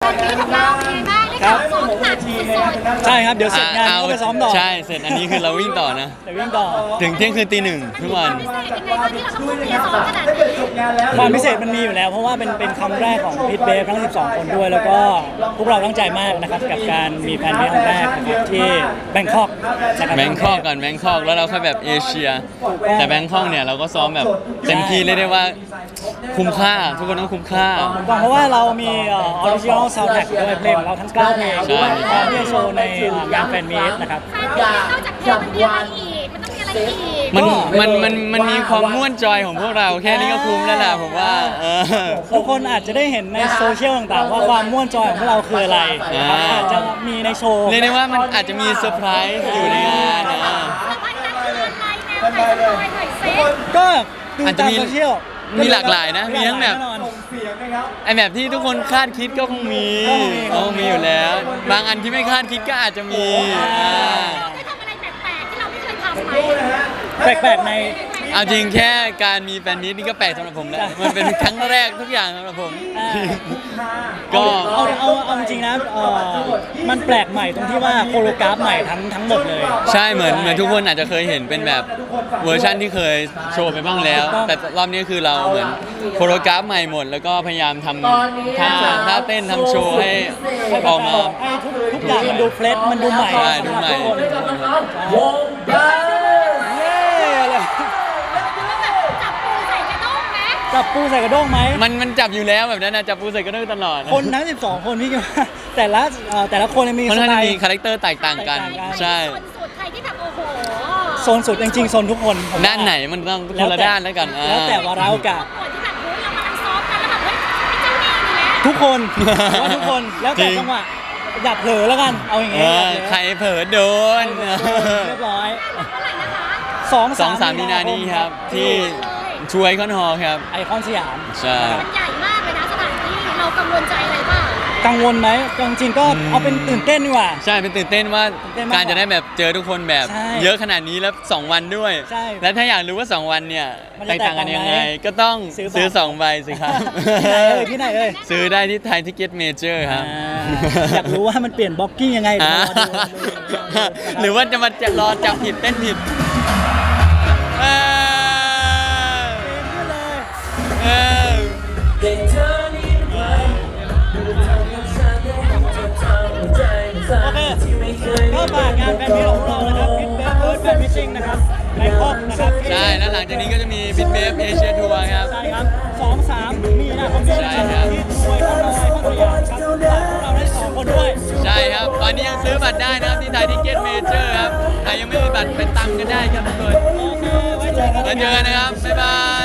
ตอนนี้ของเราเป็นไงบ้างได้ข่าวซ้อมหนักสุดใช่ครับเดี๋ยวเสร็จงานก็ไปซ้อมต่อใช่เสร็จอันนี้คือเราวิ่งต่อนะเดี๋ยววิ่งต่อถึงเที่ยงคืนตีหนึ่งทุกวันๆพิเศษยังไงตอนที่เราต้องทุ่มเทซ้อมขนาดนี้ความพิเศษมันมีอยู่แล้วเพราะว่าเป็นคำแรกของพิทเบฟทั้ง 12 คนด้วย แล้วก็พวกเราตั้งใจมากนะครับกับการมีแฟนมีตครั้งแรกนะครับที่แบงคอกนะครับแบงคอกก่อนแบงคอกแล้วเราค่อยแบบเอเชีย แต่แบงคอกเนี่ยเราก็ซ้อมแบบเต็มที่เรียกได้ว่าคุ้มค่าทุกคนต้องคุ้มค่าเพราะว่าเรามีออริจินอลซาวด์แทร็กด้วยเพลงของเราทั้ง9เพลงใช่พร้อมที่จะโชว์ในงานแฟนมีตนะครับแฟนมีตนอกจากเพลงมันมีอะไรอีกมันต้องมีอะไรอีกมันมีความม่วนจอยของพวกเราแค่นี้ก็คุ้มแล้วล่ะผมว่าทุกคนอาจจะได้เห็นในโซเชียลต่างๆว่าความม่วนจอยของพวกเราคืออะไรนะครับอาจจะมีในโชว์เรียกได้ว่ามันอาจจะมีเซอร์ไพรส์อยู่ในงานนะสบายใจคืออะไรแนวไหนสบายหน่อยเซ็ตก็ดูอาจจะตามมีโซเชียลมีหลากหลายนะมีทั้งแบบน่นอนไอแบบที่ทุกคนคาดคิดก็คงมีอยู่แล้ว บางอันที่ไม่คาดคิดก็อาจจะมีเราได้ทำอะไรแปลกๆที่เราไม่เคยทำไหมแปลกๆในเอาจริงแค่การมีแฟนมีตนี่ก็แปลกสำหรับผมแล้วมันเป็นครั้งแรกทุกอย่างสำหรับผม ก็เอาจริงๆนะมันแปลกใหม่ตรงที่ว่าโคโรกราฟใหม่ทั้งหมดเลยใช่เหมือนทุกคนอาจจะเคยเห็นเป็นแบบเวอร์ชั่นที่เคยโชว์ไปบ้างแล้ว แต่รอบนี้คือเราเหมือนโคโรกราฟใหม่หมด แล้วก็พยายามทำท่าเต้นทำโชว์ให้ออกมาให้ทุกอย่างมันดูเฟรชมันดูใหม่ใช่ดูใหม่เย้อะไรจับปูใส่กระด้งไหมจับปูใส่กระด้งไหมมันจับอยู่แล้วแบบนั้นนะจับปูใส่กระด้งตลอดคนทั้ง 12 คนพี่คิดว่าแต่ละคนมีมันสน่าไตจะล์มีคาแรคเตอร์แตกต่างกันแตกต่างกันใช่ส่วนสูตรใครที่แบบโอ้โหโซนสุดจริงๆโซนทุกคนผมว่าด้านไหนมันต้องคนละด้านแล้วกันแล้วแต่วาระโอกาสส่วนที่แบบเฮ้ยเรากำลังซ้อมกันแล้วแบบเฮ้ยไอ้เจ้านี่นี่แหละทุกคนผมว่าทุกคนแล้วแต่จริงจังหวะอย่าเผลอแล้วกันเอาอย่างเอเงี้ยอใครเผลอโดนเรียบร้อยเมื่อไหร่นะคะ 2-3 มีนานี้ครับที่ช่วยคอนฮอลครับไอคอนสยามใช่มันใหญ่มากเลยนะสถานที่เรากังวลใจอะไรบ้างกังวลไหมจริงๆก็เอาเป็นตื่นเต้นดีกว่าใช่เป็นตื่นเต้นว่าตื่นเต้นมากการจะได้แบบเจอทุกคนแบบใช่เยอะขนาดนี้แล้ว 2 วันด้วยใช่และถ้าอยากรู้ว่า 2 วันเนี่ยมันแตจะกต่างกันยังไงแตกต่างไหมก็ต้องซื้อบัตรซื้อ2 ใบสิครับที่ไหนเอ่ยซื้อได้ที่ไทยทิเก็ตเมเจอร์ครับอยากรู้ว่ามันเปลี่ยนบล็อกกิ้งยังไงเดี๋ยวรอดูหรือว่าจะมารอจับผิดเต้นผิดเออเออโอเคก็ฝากงานแฟนมิตรของเรานะครับพิทเบฟเฟิร์สแฟนมิทติ้งนะครับในคอกนะครับใช่แล้วหลังจากนี้ก็จะมีบิทเบฟเอเชียทัวร์ครับใช่ครับ2-3 มีนาคมนี้นะใช่คครัรับบ ที่ช่วยคนน้อยคนสยามครับฝากพวกเราได้2 คนด้วยใช่ครับ ตอนนี้ยังซื้อบัตรได้นะครับที่ไทยทิเก็ตเมเจอร์ครับใครยังไม่มีบัตรไปตามกันได้ครับทุกคนโอเคไว้เจอกันแล้วเจอกันนะครับ บ๊ายบาย